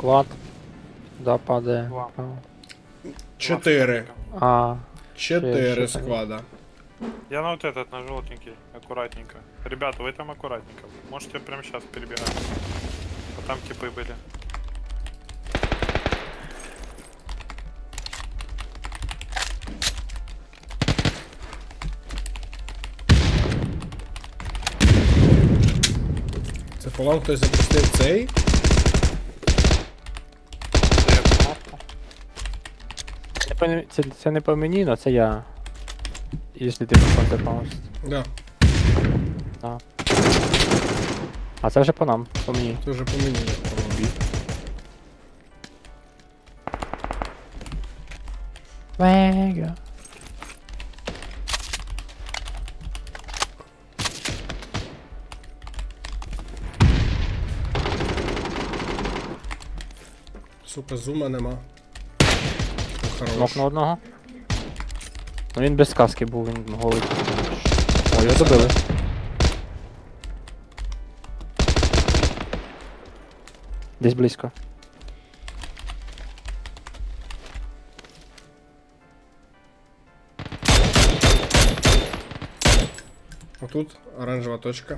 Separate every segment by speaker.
Speaker 1: Склад. Да, падає.
Speaker 2: Два.
Speaker 3: 4.
Speaker 1: А,
Speaker 3: 4
Speaker 1: ще
Speaker 3: склада.
Speaker 2: Я на вот этот, на желтенький, аккуратненько. Ребята, вы там аккуратненько. Можете прямо сейчас перебегать. А там типы были.
Speaker 3: Це по вам хтось запустив цей?
Speaker 2: Це я кнопку.
Speaker 1: це не по мені, но це я. Якщо ти по це повністю.
Speaker 3: Да,
Speaker 1: А це вже по нам, по мені.
Speaker 3: це вже по мені, по-моєму.
Speaker 1: Мега.
Speaker 3: Сука, зума нема. Хорош.
Speaker 1: Нок на одного. Ну він без каски був, він голий. О, його добили. Десь близько.
Speaker 3: Отут оранжева точка.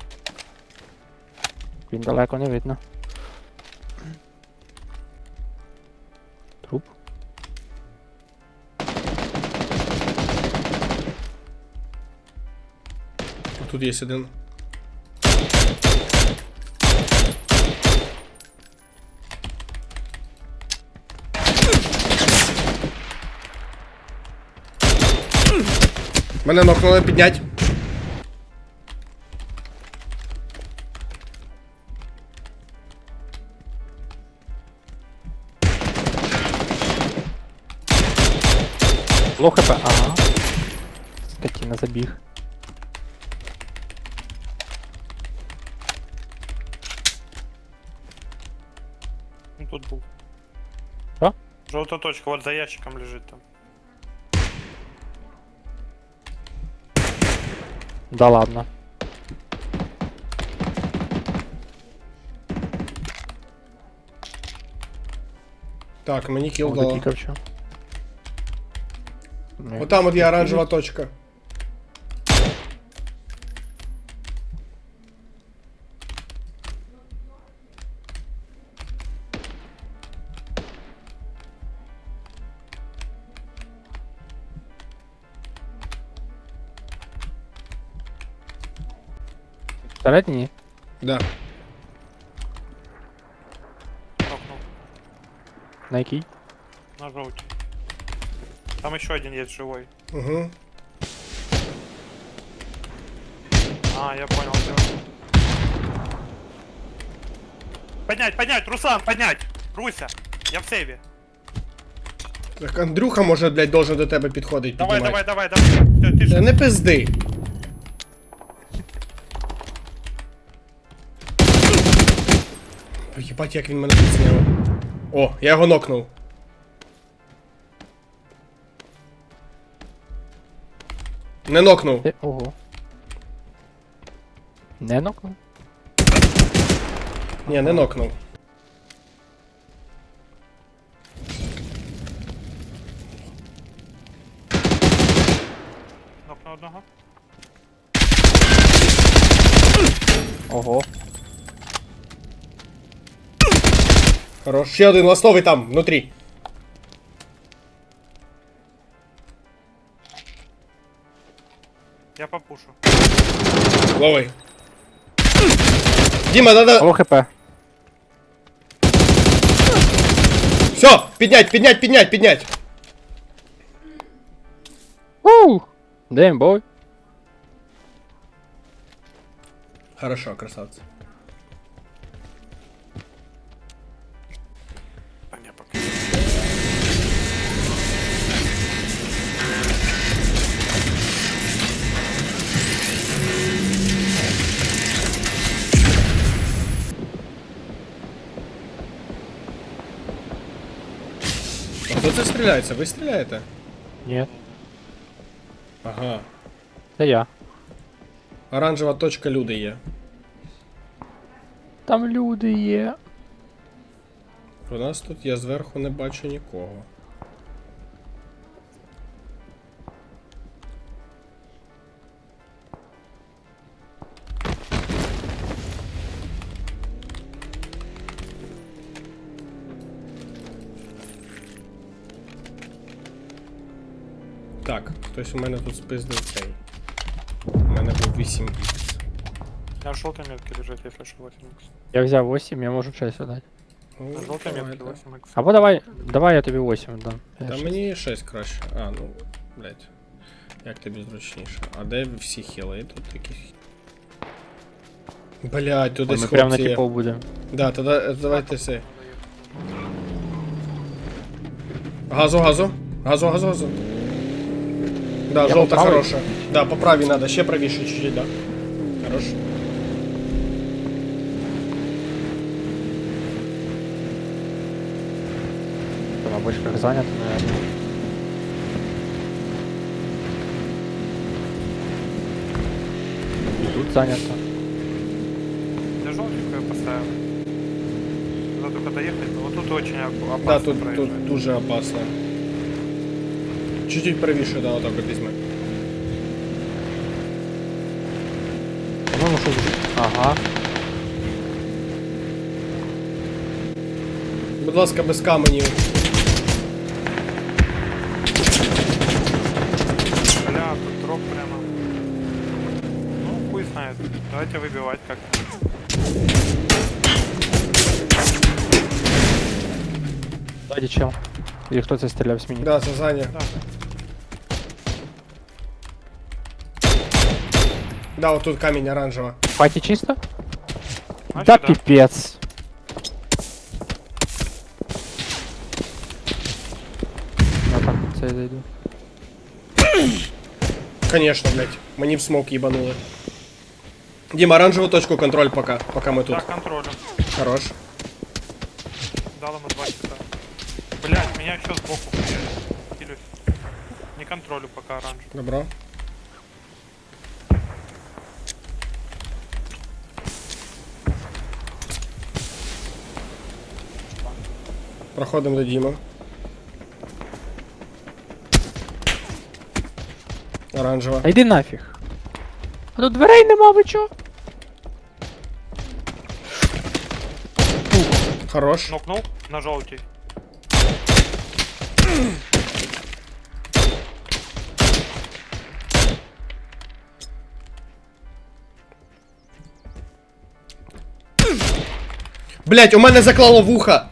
Speaker 1: Він далеко не видно. Труп.
Speaker 3: Тут є один. Мене нокнули, піднять.
Speaker 1: Лоу хп, ага. Скотина забіг.
Speaker 2: Ну тут был.
Speaker 1: Что?
Speaker 2: Желтая точка, вот за ящиком лежит там.
Speaker 1: Да ладно.
Speaker 3: Так, мені кіл
Speaker 1: О,
Speaker 3: дало.
Speaker 1: дотікав що. Ні.
Speaker 3: Отам от є оранжева точка.
Speaker 1: Всередині?
Speaker 3: Да.
Speaker 2: Нокнул.
Speaker 1: На якій?
Speaker 2: На желтый. Там еще один есть живой.
Speaker 3: Угу.
Speaker 2: А, я понял. Всё. Поднять, поднять, Руслан, поднять! Руся, я в сейве.
Speaker 3: Так Андрюха, може, блядь, должен до тебе підходить.
Speaker 2: Давай,
Speaker 3: піднімати.
Speaker 2: давай, давай, давай. Всё,
Speaker 3: Та
Speaker 2: тише.
Speaker 3: не пизди. Єбать, як він мене підсняв. О, я його нокнув. Не нокнув.
Speaker 1: Ого. Не нокнув?
Speaker 3: Ні, не нокнув.
Speaker 2: Нокнул одного.
Speaker 1: Ого.
Speaker 3: Хорош. Ще один ластовий там, внутрі.
Speaker 2: Я попушу.
Speaker 3: Ловий. Діма, надо...
Speaker 1: Лоу хп.
Speaker 3: Все, піднять, піднять, піднять, піднять.
Speaker 1: Ууу! Damn, boy.
Speaker 3: Хорошо, красавці.
Speaker 2: А не, пока.
Speaker 3: А хто це стріляється? Ви стріляєте?
Speaker 1: Ні.
Speaker 3: Ага.
Speaker 1: Це я.
Speaker 3: Оранжева точка, люди є.
Speaker 1: Там люди є.
Speaker 3: У нас тут я зверху не бачу нікого. Так, хтось у мене тут спиздив цей. У мене був 8х.
Speaker 2: На желтой метке лежит, если что, 8х.
Speaker 1: Я взяв 8, я можу 6 дати.
Speaker 3: Ну,
Speaker 2: На желтой
Speaker 3: давай,
Speaker 2: метке
Speaker 3: давай.
Speaker 2: 8х.
Speaker 1: Або давай я тобі 8 дам. Я
Speaker 3: Та
Speaker 1: щас-
Speaker 3: мені 6 краще. А, ну, блядь. Як тобі зручніше. А де всі хіли? І тут такі. Блядь, тут
Speaker 1: Ой,
Speaker 3: десь
Speaker 1: ми прямо на
Speaker 3: хлопці є.
Speaker 1: типов будемо.
Speaker 3: Да, тоді давайте все. Газу, газу. Газу, газу, газу. Да,
Speaker 1: Я
Speaker 3: желтая
Speaker 1: по правой?
Speaker 3: хорошая. Да, по правой надо, ще правіше чуть-чуть, да. Хорош.
Speaker 1: Там на бочках зайнято, наверное. І тут зайнято.
Speaker 2: Я желтенькую поставил. Надо только доехать, но вот тут очень опасно
Speaker 3: Да, тут
Speaker 2: проезжать.
Speaker 3: дуже опасно. Чуть-чуть правіше, да, отак от візьми.
Speaker 1: По-моєму, що тут? Ага.
Speaker 3: Будь ласка, без каменів.
Speaker 2: Бля, тут дроп прямо. Ну, хуй знает. Давайте выбивать как-то.
Speaker 1: Ззаді чел. Или хто це стріляв з мені?
Speaker 3: Да, це Заня.
Speaker 2: Да.
Speaker 3: Да, вот тут камінь оранжево.
Speaker 1: Паті чисто?
Speaker 2: Значит,
Speaker 1: Да
Speaker 2: да.
Speaker 1: пипец. Я так от це зайду.
Speaker 3: Конечно, блядь. Мені в смок їбанули. Дима, оранжевую точку контроль пока мы тут.
Speaker 2: Да, контролем.
Speaker 3: Хорош.
Speaker 2: Дал ему 2 часа. Блять, меня еще сбоку килюсь. Не контролю пока оранж.
Speaker 3: Добро. Проходимо до Діма. Оранжева.
Speaker 1: А йди нафіг. А тут дверей нема, ви чо?
Speaker 3: Хорош.
Speaker 2: Нокнул на желтый.
Speaker 3: Блять, у мене заклало вуха.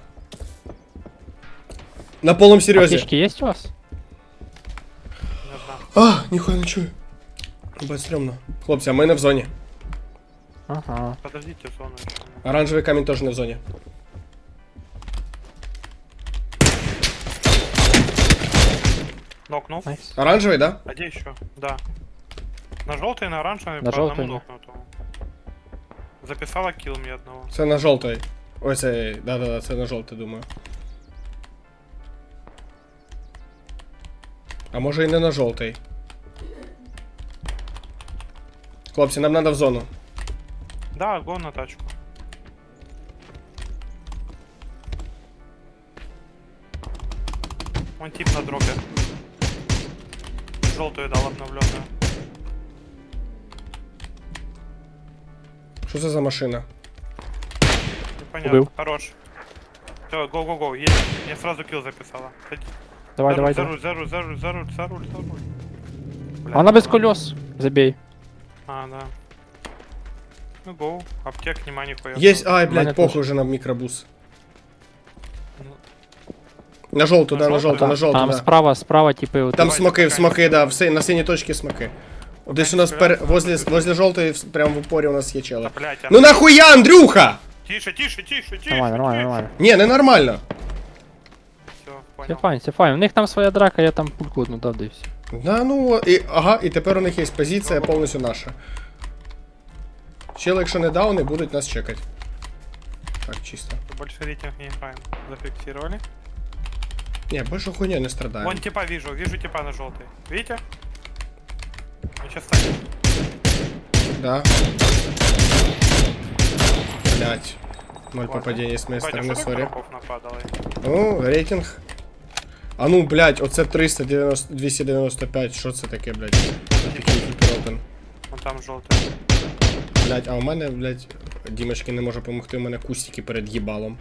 Speaker 3: На полном серйозі.
Speaker 1: Аптечки є у вас?
Speaker 2: Не знаю.
Speaker 3: А, ніхуя не чую. Бать, стрьомно. Хлопці, а ми не в зоні.
Speaker 1: Ага.
Speaker 2: Подождите, зону еще.
Speaker 3: Оранжевий камінь теж не в зоні.
Speaker 2: Нокнул.
Speaker 1: Найс.
Speaker 3: Оранжевий, да?
Speaker 2: А где еще? Да. На желтый, на оранжевый,
Speaker 1: На
Speaker 2: по
Speaker 1: желтый,
Speaker 2: одному
Speaker 1: да.
Speaker 2: нокнутому. Записала килл мне одного.
Speaker 3: Це на жовтий. Ой, це. Да-да-да, це на жовтий, думаю. А може і не на жовтий. Хлопці, нам треба в зону.
Speaker 2: Да, гон на тачку. Вон тип на дропе. Желтую дал обновленную.
Speaker 3: Що це за машина?
Speaker 2: Непонятно.
Speaker 1: Убил.
Speaker 2: Хорош. Все, го-го-го, едем. Мне сразу килл записала. Ходи.
Speaker 1: Давай,
Speaker 2: за
Speaker 1: давай,
Speaker 2: руль, за
Speaker 1: давай.
Speaker 2: руль, за руль, за руль, за руль, за руль, за руль. Бля,
Speaker 1: Вона без
Speaker 2: ладно.
Speaker 1: колес. Забей.
Speaker 2: А, да. Ну, гоу. Аптек, нема нихуя.
Speaker 3: Есть, ай,
Speaker 1: мене
Speaker 3: блядь, похуй
Speaker 1: теж.
Speaker 3: уже на микробус.
Speaker 2: Ну,
Speaker 3: На желтую,
Speaker 2: На
Speaker 3: да, на
Speaker 2: жовту?
Speaker 3: желтую, на желтую,
Speaker 1: Там
Speaker 3: да.
Speaker 1: справа, типи, от.
Speaker 3: Там
Speaker 2: Давайте
Speaker 3: смоки,
Speaker 2: пока
Speaker 3: смоки,
Speaker 2: не
Speaker 3: да, на синей точке смоки. Вот здесь у нас возле желтой, прям в упоре у нас є
Speaker 2: да,
Speaker 3: чела.
Speaker 2: блядь, а...
Speaker 3: Ну нахуя, Андрюха!
Speaker 2: Тише, тише, тише, тише.
Speaker 1: Нормально, нормально, нормально.
Speaker 3: Не, не нормально.
Speaker 2: Все,
Speaker 1: Все
Speaker 2: понял.
Speaker 1: файн, все файн. У них там своя драка, я там пульку одну дав, да і все.
Speaker 3: Да, ну, і, ага, і тепер у них є позиція повністю наша. Чели, якщо не дауни, будуть нас чекати. Так, чисто.
Speaker 2: Больше рейтинг не играем. Зафиксировали.
Speaker 3: Не, больше хуйня не страдаем.
Speaker 2: Вон типа вижу типа на желтый. Видите? Он сейчас станет.
Speaker 3: Да. Блять. 0 попадений с моей
Speaker 2: Батя,
Speaker 3: стороны,
Speaker 2: что так
Speaker 3: сори.
Speaker 2: дропов нападало?
Speaker 3: Ну, рейтинг. А ну, блядь, оце 390, 295, що це таке, блядь? Такий кіпіропен.
Speaker 2: Вон там желтый.
Speaker 3: Блядь, а у мене, блядь, Дімочки не може допомогти, у мене кустики перед їбалом.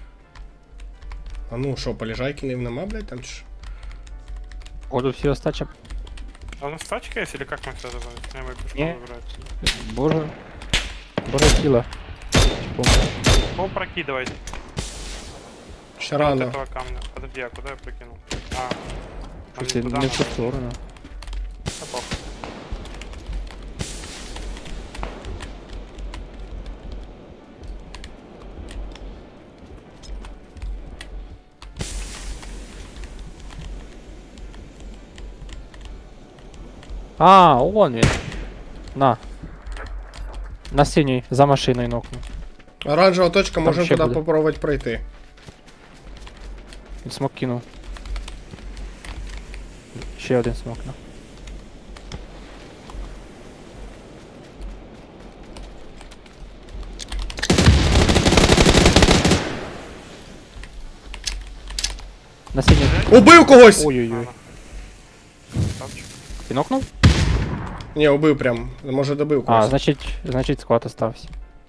Speaker 3: А ну, що, полежайки нема, блядь, там чи що?
Speaker 1: Ходу всі остача.
Speaker 2: А у нас тачка есть или как мы это называем? Я могу пешком
Speaker 1: Не.
Speaker 2: выбирать.
Speaker 1: Боже. Боже тіла.
Speaker 2: Кого прокидывать?
Speaker 3: Ще
Speaker 2: Вот
Speaker 3: рано.
Speaker 2: этого камня. Подожди, а куда я прокинул? А, нам
Speaker 1: Щось
Speaker 2: не
Speaker 1: не
Speaker 2: туда
Speaker 1: в цю
Speaker 2: надо.
Speaker 1: сторону.
Speaker 2: Да похуй.
Speaker 1: А, он він. На. На синій, за машиною нокну.
Speaker 3: Оранжева точка, можемо
Speaker 1: ще
Speaker 3: туди
Speaker 1: буде.
Speaker 3: попробувати пройти.
Speaker 1: Він смок кинув. Ще один смок, на. На синій.
Speaker 3: Убив когось!
Speaker 1: Ой-ой-ой.
Speaker 2: Тапчик.
Speaker 1: Ти нокнув?
Speaker 3: Ні, убив прям. Може добив
Speaker 1: А,
Speaker 3: когось.
Speaker 1: значить склад остався.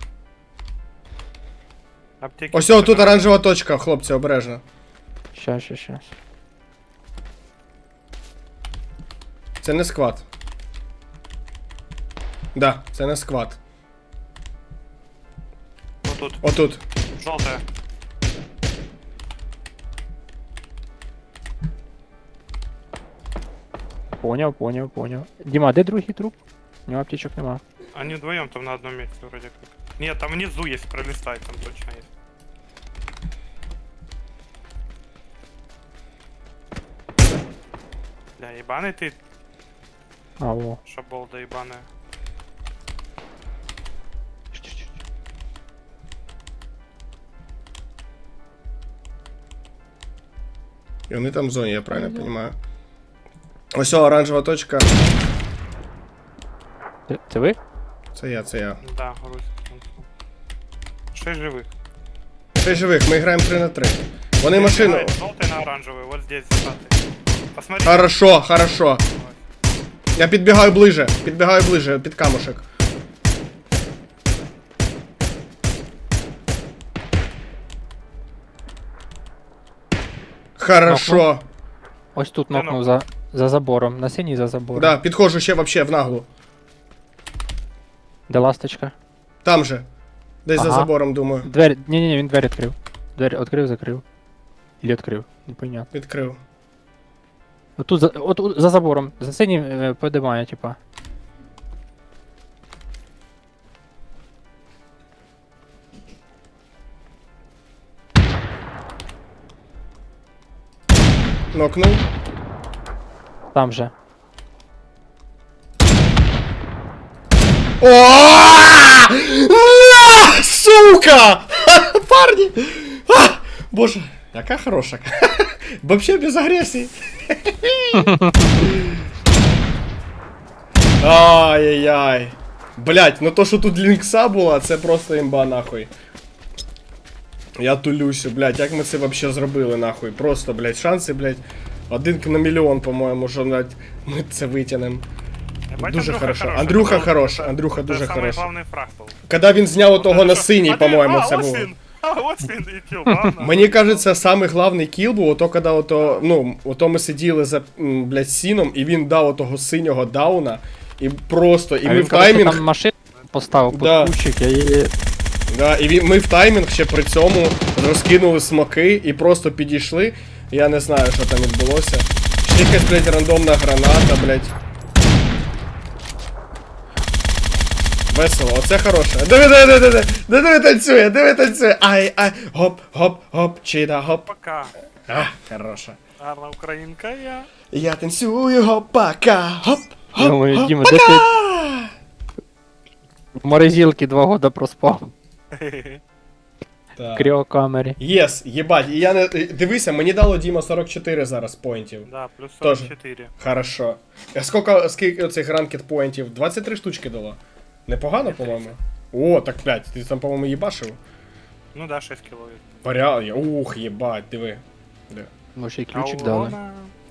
Speaker 2: Аптеки.
Speaker 3: Ось тут оранжева точка, хлопці, обережно.
Speaker 1: Щас.
Speaker 3: Це не сквад. Да, це не сквад.
Speaker 2: Вот тут.
Speaker 3: Отут.
Speaker 2: Желтая.
Speaker 1: Поняв. Діма, де другий труп? У нього аптечок нема.
Speaker 2: Они вдвоем там на одном месте вроде как. Нет, там внизу есть, пролистай, там точно есть. Бля, ебаный ты,
Speaker 1: А, во.
Speaker 2: шаболда ебаная.
Speaker 3: І вони там в зоні, я правильно розумію. Ось оранжева точка.
Speaker 1: Це ви?
Speaker 3: Це я.
Speaker 2: Да, грусть. 6 живых.
Speaker 3: 6 живих, ми граємо 3 на 3. Вони машину.
Speaker 2: Желтый на оранжевый, вот здесь зажатый. Посмотри.
Speaker 3: Хорошо. Я підбігаю ближе, під камушек. Хорошо.
Speaker 1: Ось тут
Speaker 2: Де
Speaker 1: нокнув за забором. На синій за забором.
Speaker 3: Да, підходжу ще вообще в наглу.
Speaker 1: Де ласточка?
Speaker 3: Там же. Десь за
Speaker 1: Ага.
Speaker 3: забором, думаю.
Speaker 1: Двері. Ні, він двері відкрив. Двері відкрив, закрив. Ілі відкрив. Непонятно.
Speaker 3: Відкрив.
Speaker 1: Отут за забором. За синім подимає, типа.
Speaker 3: Нокнув.
Speaker 1: Там же.
Speaker 3: О! На, сука! Парни! А! Боже, яка хороша. Вообще без агресії. Ай-яй-яй. Блять, ну то, що тут лінкса була, це просто імба нахуй. Я тулюся, блять, як ми це вообще зробили нахуй. Просто, блять, шанси, блять, 1 на мільйон, по-моєму, що блять, ми це витягнемо.
Speaker 2: Ебать,
Speaker 3: Дуже хорошо.
Speaker 2: хороший.
Speaker 3: Андрюха
Speaker 2: Это
Speaker 3: хорош,
Speaker 2: это
Speaker 3: Андрюха дуже
Speaker 2: самый
Speaker 3: хороший.
Speaker 2: главный фраг был.
Speaker 3: Коли він зняв того на синій,
Speaker 2: А ты-
Speaker 3: по-моєму,
Speaker 2: а,
Speaker 3: це
Speaker 2: вот
Speaker 3: було.
Speaker 2: свин. А, вот свин и килл, ладно.
Speaker 3: Мені кажеться, самий главний кіл був ото, коли ото, ну, ото ми сиділи за, блядь, сіном, і він дав отого синього дауна, і просто, і
Speaker 1: А
Speaker 3: ми
Speaker 1: він,
Speaker 3: в
Speaker 1: коротше,
Speaker 3: таймінг,
Speaker 1: там машину поставив під
Speaker 3: Да.
Speaker 1: кущик, я її...
Speaker 3: да, і ми в таймінг ще при цьому розкинули смоки і просто підійшли. Я не знаю, що там відбулося. Ще якась, блядь, рандомна граната, блядь. Весело, оце хороше. Диви танцює. Ай, гоп, чида, гоп.
Speaker 2: Пока.
Speaker 3: А, хороша.
Speaker 2: Гарна українка я.
Speaker 3: Я танцюю, гопака, гоп,
Speaker 1: Думаю,
Speaker 3: гоп,
Speaker 1: Діма, де ти
Speaker 3: гоп,
Speaker 1: в морозилці 2 года проспав?
Speaker 3: Так.
Speaker 1: В кріокамері.
Speaker 3: Єс, єбать, і я не... Дивися, мені дало Діма 44 зараз поінтів.
Speaker 2: Да, плюс
Speaker 3: Тоже.
Speaker 2: 44.
Speaker 3: Хорошо. А скільки оцих ранкет поінтів? 23 штучки дало. Непогано, по-моєму. О, так 5. Ти там, по-моєму, їбашив.
Speaker 2: Ну да, 6 кило.
Speaker 3: Поряд. Ух, єбать, диви. Де?
Speaker 1: Може і ключик дали.
Speaker 2: Аурона.